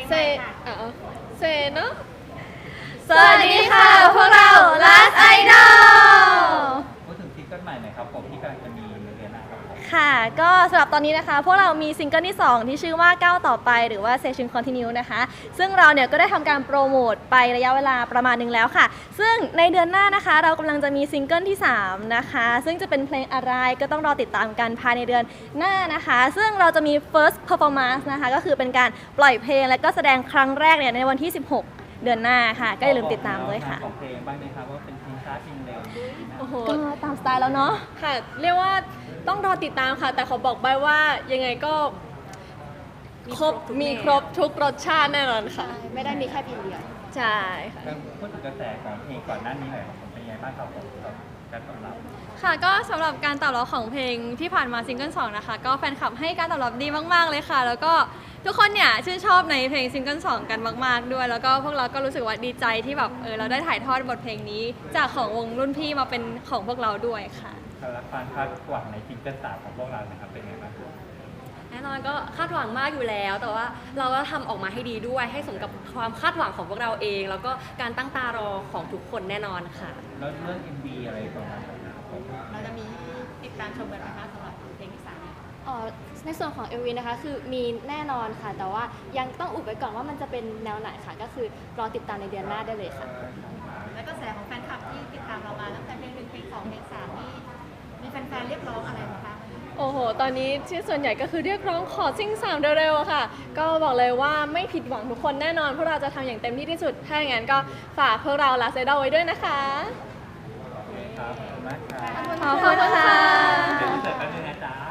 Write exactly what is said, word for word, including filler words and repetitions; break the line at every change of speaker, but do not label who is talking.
เซอ่ะเซเนาะ
สวัสดีค่ะพวกเรา Last Idol
พูดถึงซิงเกิลใหม่หน่อยครับผมที่กำลังจะมีในเดือนหน้าครับผม
ค่ะก็สำหรับตอนนี้นะคะพวกเรามีซิงเกิลที่สองที่ชื่อว่าก้าวต่อไปหรือว่า Session Continue นะคะซึ่งเราเนี่ยก็ได้ทำการโปรโมทไประยะเวลาประมาณหนึงแล้วค่ะซึ่งในเดือนหน้านะคะเรากำลังจะมีซิงเกิลที่สามนะคะซึ่งจะเป็นเพลงอะไรก็ต้องรอติดตามกันภายในเดือนหน้านะคะซึ่งเราจะมี first performance นะคะก็คือเป็นการปล่อยเพลงและก็แสดงครั้งแรกเนี่ยในวันที่สิบหกเดือนหน้าค่ะก็อย่าลืมติดตามด้วยค่ะ
ของเพลงบ้างไหมครับว่าเป็นเพลงช้าเพลงเร็ว
โอ้โห
ก็ตามสไตล์แล้วเนาะ
ค่ะเรียกว่าต้องรอติดตามค่ะ แต่ขอบอกไปว่ายังไงก็ครบมีครบทุกรสชาติแน่นอนค่ะ
ไม่ได้มีแค่เพลงเดียว
ใช่ค่ะ
แล้วพูดถึงกระแสของเพลงก่อนหน้านี้หน่อยครับผมเป็นยังไงบ้างครับผมกับการตอบรับ
ค่ะก็สำหรับการตอบรับของเพลงที่ผ่านมาซิงเกิลสองนะคะก็แฟนคลับให้การตอบรับดีมากๆเลยค่ะ แล้วก็ทุกคนเนี่ยชื่นชอบในเพลงซิงเกิลสองกันมากๆด้วย แล้วก็พวกเราก็รู้สึกว่าดีใจที่แบบเออเราได้ถ่ายทอดบทเพลงนี้ จากของวงรุ่นพี่มาเป็นของพวกเราด้วยค่ะ
สำหรับความคาดหวังในซิงเกิลสามของพวกเรานะครับเป็นยังไงบ้างครับ
แน่นอนก็คาดหวังมากอยู่แล้ว แต่ว่าเราก็ทำออกมาให้ดีด้วย ให้สมกับความคาดหวังของพวกเราเอง แล้วก็การตั้งตารอของทุกคนแน่นอนค่ะ
แล้วเรื่อง เอ็ม วี อะไรประมาณนั้นนะครับผม
เราจะมีติดตามชมกันไหมคะสำหรับเพลงที่สาม
เอ่อในส่วนของ เอ็ม วี นะคะคือมีแน่นอนค่ะ แต่ว่ายังต้องอุบไว้ก่อนว่ามันจะเป็นแนวไหนค่ะ ก็คือรอติดตามในเดือนหน้าได้เลยค่ะ
แล้วก็แสของแฟนคลับที่ติดตามเรามาตั้งแต่เพลงหนึ่งเพลงสองเพลงสามนี่มีแฟนๆเรียกร้องอะไรบ้างคะ
โอ้โห ตอนนี้ที่ส่วนใหญ่ก็คือเรียกร้องขอซิ่งสามเร็วๆอะค่ะ ก็บอกเลยว่าไม่ผิดหวังทุกคนแน่นอนพวกเราจะทำอย่างเต็มที่ที่สุด ถ้าอย่างนั้นก็ฝากพวกเรา Last Idol ไว้ด้วยนะคะ
ครับขอบคุณมากครับ
ขอบคุณค่ะ
เดี๋ยวจะเสร็จแป๊บนึงนะจ๊ะ